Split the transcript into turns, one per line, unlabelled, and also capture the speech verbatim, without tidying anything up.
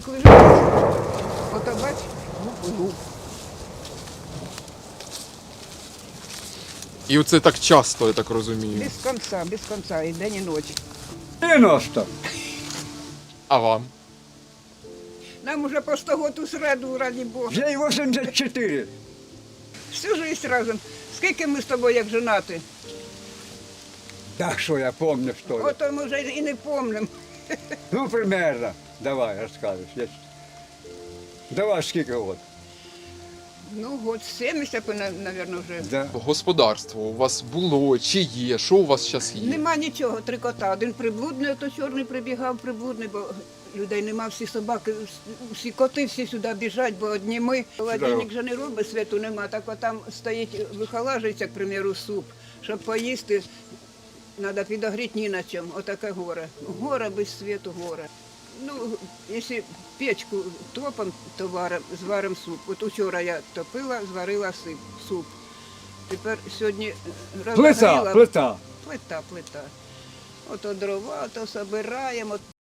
лежить. Ото бач, гуп-гуп.
І оце так часто, я так розумію.
Без кінця, без кінця, і день, і ночі.
дев'яносто.
А вам?
Нам уже по сто год у среду, раді Бога.
Вже й вісімдесят чотири.
Всю життя разом. Скільки ми з тобою як женати?
Так що я пам'ятаю, що ли.
Ото ми вже і не пам'ятаємо.
Ну, примерно. Давай, розкажеш. Я... Давай, скільки год?
Ну, год сімдесят, мабуть, вже.
Да.
Господарство у вас було чи є? Що у вас зараз є?
Нема нічого, три кота. Один приблудний, ото чорний прибігав, приблудний, бо людей нема, всі собаки, всі коти всі сюди біжать, бо одні ми. Холодильник же не робить, світу нема, так от там стоїть, вихолажується, к примеру, суп. Щоб поїсти, треба підогріти ні на чому. Отаке горе. Горе без світу, горе. Ну, якщо печку топом, то варим, зварим суп. От учора я топила, зварила сип, суп. Тепер сьогодні
Плита,
розогріла.
плита.
Плита, плита. Ото дрова, то собираємо.